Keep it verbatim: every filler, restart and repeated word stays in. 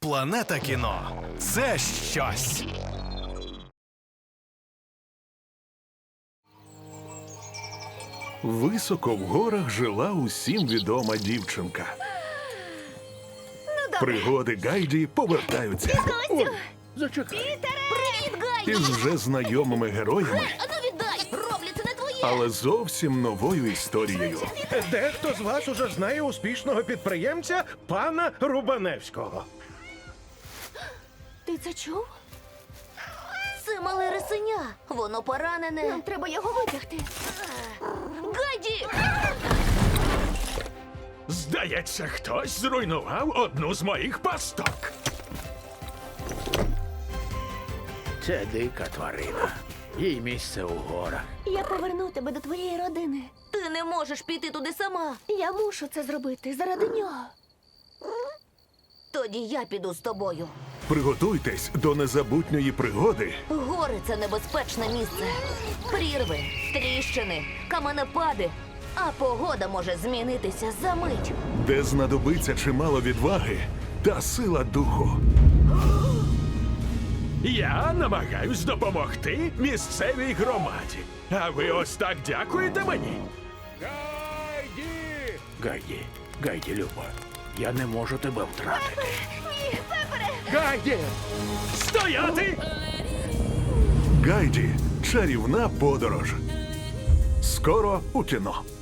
Планета кіно – це щось. Високо в горах жила усім відома дівчинка. Пригоди Гайді повертаються Ой, зачекай. Привіт, Гайді! із вже знайомими героями, Ану віддай! Роблю, це не твоє! але зовсім новою історією. Дехто з вас уже знає успішного підприємця пана Рубаневського. Ти це чув? Це мале рисеня. Воно поранене. Нам треба його витягти. Гайді! Здається, хтось зруйнував одну з моїх пасток. Це дика тварина. Їй місце у горах. Я поверну тебе до твоєї родини. Ти не можеш піти туди сама. Я мушу це зробити заради нього. Тоді я піду з тобою. Приготуйтесь до незабутньої пригоди, Гори – це небезпечне місце. Прірви, тріщини, каменепади. А погода може змінитися за мить. де знадобиться чимало відваги та сила духу. Я намагаюсь допомогти місцевій громаді. А ви ось так дякуєте мені. Гайді, Гайді, Люба, я не можу тебе втратити. Ні, Пепере! Гайді! Стояти! Гайді – чарівна подорож. Скоро у кіно.